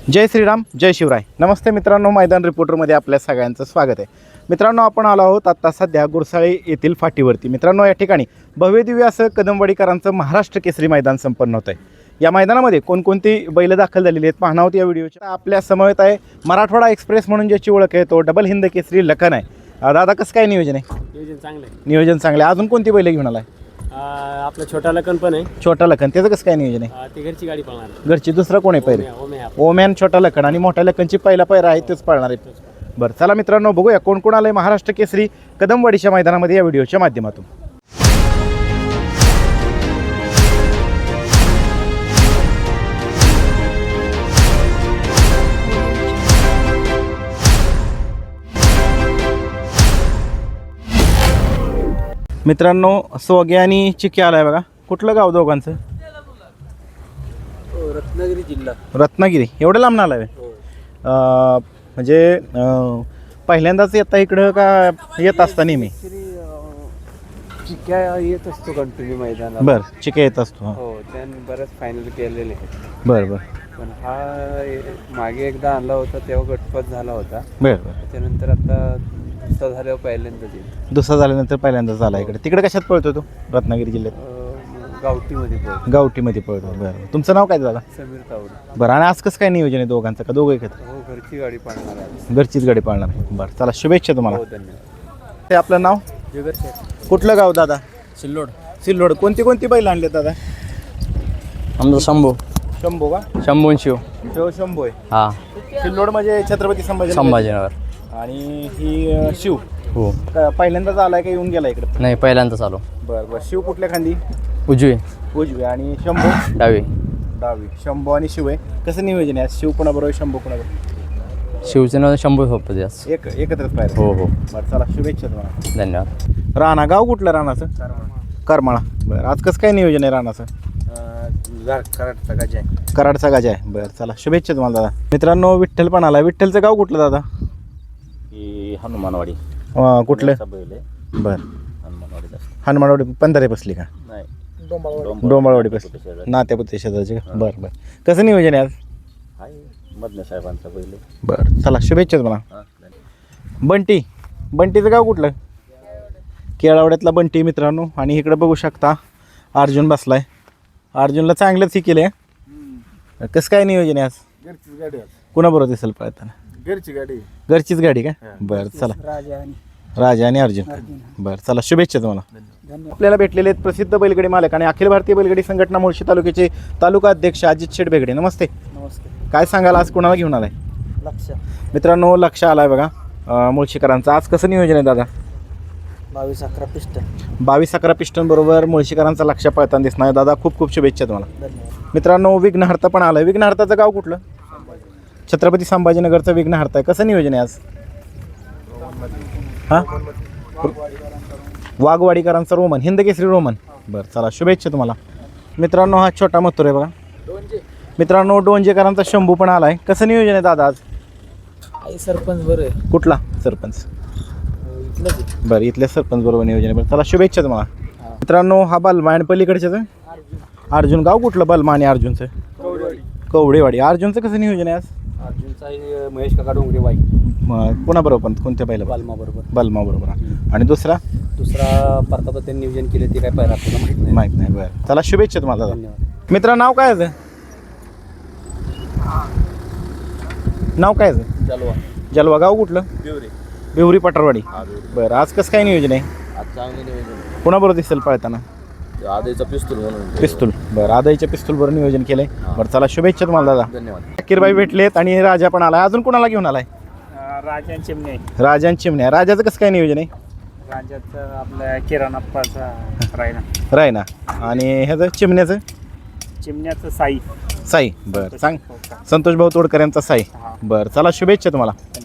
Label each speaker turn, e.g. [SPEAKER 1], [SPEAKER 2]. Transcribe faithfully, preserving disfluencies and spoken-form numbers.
[SPEAKER 1] जय श्रीराम, जय शिवराय. नमस्ते मित्रांनो, मैदान रिपोर्टरमध्ये आपल्या सगळ्यांचं स्वागत आहे. मित्रांनो, आपण आलो आहोत आत्ता सध्या गुरसाळे येथील फाटीवरती. मित्रांनो, या ठिकाणी भव्यदिव्य असं कदमवाडीकरांचं महाराष्ट्र केसरी मैदान संपन्न होतं आहे. या मैदानामध्ये कोणकोणती बैल दाखल झालेली आहेत पाहणार आहोत या व्हिडिओच्या. आपल्या समवेत आहे मराठवाडा एक्सप्रेस म्हणून ज्याची ओळख आहे तो डबल हिंद केसरी लखन आहे. दादा, कसं काय नियोजन आहे?
[SPEAKER 2] नियोजन चांगलं आहे.
[SPEAKER 1] नियोजन चांगलं आहे. अजून कोणती बैल घेऊन आलाय?
[SPEAKER 2] आपला छोटा लखन पण आहे.
[SPEAKER 1] छोटा लखन, त्याचं कसं काय नियोजन आहे?
[SPEAKER 2] ती घरची गाडी पळणार.
[SPEAKER 1] घरची दुसरा कोण आहे पहिले? ओमॅन छोटा लखन आणि मोठ्या लखनची पहिला पैरा आहे तेच पाळणार आहे. बरं, चला मित्रांनो, बघूया कोण कोण आलंय महाराष्ट्र केसरी कदमवाडीच्या मैदानामध्ये या व्हिडिओच्या माध्यमातून. मित्रांनो, सोगे आणि चिके आलाय बघा. कुठलं गाव दोघांचं?
[SPEAKER 2] रत्नागिरी जिल्हा.
[SPEAKER 1] रत्नागिरी. एवढं लांब आलाय? म्हणजे अं, पहिल्यांदाच येता इकडं का येत असता नेहमी?
[SPEAKER 2] चिक्या येत असतो कंटिन्यू मैदानात.
[SPEAKER 1] बरं, चिके येत असतो.
[SPEAKER 2] हो, त्याने बरेच फायनल केलेले आहेत.
[SPEAKER 1] बरं बरं
[SPEAKER 2] पण हा मागे एकदा आणला होता तेव्हा गटपत झाला होता.
[SPEAKER 1] बरं बरं
[SPEAKER 2] त्यानंतर आता दुसरा झाल्यावर पहिल्यांदाच येईल.
[SPEAKER 1] दुसरा झाल्यानंतर पहिल्यांदाच झाला इकडे. तिकडे कशात पळतो तो? रत्नागिरी जिल्ह्यात
[SPEAKER 2] अं, गावठीमध्ये पळतो.
[SPEAKER 1] गावठीमध्ये पळतो. बरं, तुमचं नाव काय दादा?
[SPEAKER 2] समीर तावडे.
[SPEAKER 1] बरं, आणि आज कसं काय नियोजन आहे दोघांचं, का दोघं एकत्र?
[SPEAKER 2] हो, घरची गाडी पाळणार आहे.
[SPEAKER 1] घरचीच गाडी पाळणार आहे. बरं, चला शुभेच्छा तुम्हाला.
[SPEAKER 2] हो, धन्यवाद.
[SPEAKER 1] ते आपलं नाव?
[SPEAKER 2] जुगर शेठ.
[SPEAKER 1] कुठलं गाव दादा?
[SPEAKER 2] सिल्लोड.
[SPEAKER 1] सिल्लोड. कोणती कोणती बैल आणले दादा?
[SPEAKER 2] आमचा शंभू.
[SPEAKER 1] शंभू का?
[SPEAKER 2] शंभून शिव.
[SPEAKER 1] शिव शंभू आहे.
[SPEAKER 2] हा,
[SPEAKER 1] सिल्लोड म्हणजे छत्रपती संभाजी
[SPEAKER 2] संभाजीनगर.
[SPEAKER 1] आणि ही अं, शिव
[SPEAKER 2] हो.
[SPEAKER 1] का पहिल्यांदाच आलाय का येऊन गेला इकडे?
[SPEAKER 2] नाही, पहिल्यांदाच आलो.
[SPEAKER 1] बरं बरं. शिव कुठल्या खांदी?
[SPEAKER 2] उजवी.
[SPEAKER 1] उजवी. आणि शंभू?
[SPEAKER 2] डावी.
[SPEAKER 1] डावी. शंभू आणि शिव आहे. कसं नियोजन आहे? शिव कोणाबरोबर, शंभू कोणाबरोबर?
[SPEAKER 2] शिवचं नाव शंभू सोबत जास्त.
[SPEAKER 1] एक एकत्रच पाहिजे.
[SPEAKER 2] हो हो,
[SPEAKER 1] बरं, चला शुभेच्छा तुम्हाला.
[SPEAKER 2] धन्यवाद.
[SPEAKER 1] राणा गाव कुठलं राणाचं? करमाळा. बरं, आज कसं काय नियोजन आहे राणाचं?
[SPEAKER 2] कराडचा गजा आहे.
[SPEAKER 1] कराडचा गाजा आहे. बरं, चला शुभेच्छा तुम्हाला दादा. मित्रांनो, विठ्ठल पण आला. विठ्ठलचं गाव कुठलं दादा?
[SPEAKER 3] ही हनुमानवाडी.
[SPEAKER 1] अं, कुठलं?
[SPEAKER 3] बैल आहे.
[SPEAKER 1] बरं,
[SPEAKER 3] हनुमानवाडीत असते.
[SPEAKER 1] हनुमानवाडी पंधरे बसली का?
[SPEAKER 3] नाही,
[SPEAKER 1] डोंबाळवाडी बसली. नात्यापुते शेजारची का? बरं बरं. कसं नियोजन आहे आज?
[SPEAKER 3] आहे मधने साहेबांचा बैल आहे.
[SPEAKER 1] बरं, चला शुभेच्छा तुम्हाला.
[SPEAKER 3] हा, धन्यवाद.
[SPEAKER 1] बंटी. बंटीचं गाव कुठलं? केळावड्यातला बंटी मित्रांनो. आणि इकडे बघू शकता अर्जुन बसलाय. अर्जुनला चांगलंच हे केलं आहे. कसं काय नियोजन आहे आज?
[SPEAKER 2] घरचीच गाडी.
[SPEAKER 1] कुणाबरोबर दिसेल पळताना?
[SPEAKER 2] घरची गाडी.
[SPEAKER 1] घरचीच गाडी का? बरं, चला.
[SPEAKER 2] राजा आणि
[SPEAKER 1] राजा आणि अर्जुन. बरं, चला शुभेच्छा तुम्हाला. आपल्याला भेटलेले आहेत प्रसिद्ध बैलगाडी मालक आणि अखिल भारतीय बैलगाडी संघटना मुळशी तालुक्याचे तालुका अध्यक्ष अजित शेठ बेगडे. नमस्ते.
[SPEAKER 2] नमस्ते.
[SPEAKER 1] काय सांगाल, आज कोणाला घेऊन आलाय?
[SPEAKER 2] लक्ष.
[SPEAKER 1] मित्रांनो, लक्ष आलाय बघा अं, मुळशीकरांचं. आज कसं नियोजन आहे दादा?
[SPEAKER 2] बावीस अकरा पिस्टन.
[SPEAKER 1] बावीस अकरा पिस्टन बरोबर मुळशीकरांचा लक्ष पळताना दिसणार. दादा, खूप खूप शुभेच्छा तुम्हाला.
[SPEAKER 2] धन्यवाद.
[SPEAKER 1] मित्रांनो, विघ्नहर्ता पण आलाय. विघ्नहर्ताचं गाव कुठलं? छत्रपती संभाजीनगरचं विघ्नहर्ता आहे. कसं नियोजन आहे आज? हां, वाघवाडीकरांचा रोमन, हिंद केसरी रोमन. बरं, चला शुभेच्छा तुम्हाला. मित्रांनो, हा छोटा मथुर आहे बघा. मित्रांनो, डोंजेकरांचा शंभू पण आलाय. कसं नियोजन आहे दादा आज?
[SPEAKER 2] आई सरपंच बरं आहे.
[SPEAKER 1] कुठला सरपंच?
[SPEAKER 2] इथलंच आहे.
[SPEAKER 1] बरं, इथल्या सरपंच बरोबर नियोजन आहे. बरं, चला शुभेच्छा तुम्हाला. मित्रांनो, हा बलमा आणि पलीकडच्याच अर्जुन. गाव कुठलं बलमा आणि अर्जुनचं?
[SPEAKER 2] कवडेवाडी.
[SPEAKER 1] कवडेवाडी. अर्जुनचं कसं नियोजन आहे आज?
[SPEAKER 2] अर्जुनचा महेश काका डोंगरे वाई.
[SPEAKER 1] मग कोणाबरोबर पण? कोणत्या पहिलं?
[SPEAKER 2] बालमा बरोबर.
[SPEAKER 1] बलमा बरोबर. आणि दुसरा?
[SPEAKER 2] दुसरा परताप त्यांनी नियोजन केले ते काय पाहिजे आपल्याला माहित नाही.
[SPEAKER 1] माहीत नाही. बरं, चला शुभेच्छा तुम्हाला दादा.
[SPEAKER 2] धन्यवाद.
[SPEAKER 1] मित्रा, नाव काय आहे? नाव काय आहे?
[SPEAKER 2] चालवा.
[SPEAKER 1] जलवा. गाव कुठलं?
[SPEAKER 2] बिवरे.
[SPEAKER 1] बिवरी पटरवाडी.
[SPEAKER 2] हा, बिवरे.
[SPEAKER 1] बरं, आज कसं काय नियोजन आहे?
[SPEAKER 2] आज चांगलं नियोजन.
[SPEAKER 1] कोणाबरोबर दिसेल पळताना?
[SPEAKER 2] आधीचा पिस्तूल म्हणून.
[SPEAKER 1] पिस्तूल. बरं, आदाईच्या पिस्तूलबरोबर नियोजन केलंय. बरं, चला शुभेच्छा तुम्हाला दादा.
[SPEAKER 2] धन्यवाद.
[SPEAKER 1] अकीरबाई भेटलेत आणि राजा पण आलाय. अजून कोणाला घेऊन आलाय?
[SPEAKER 2] राजा चिमणे.
[SPEAKER 1] राजान चिमण्या. राजाचं कसं काय नियोजन आहे?
[SPEAKER 2] राजाचं आपल्या किराणाप्पाचा रायना.
[SPEAKER 1] रायना. आणि ह्याचं चिमण्याचं?
[SPEAKER 2] चिमण्याचं साई.
[SPEAKER 1] साई. बरं, सांग. संतोष भाऊ तोडकर यांचा साई. बरं, चला शुभेच्छा तुम्हाला.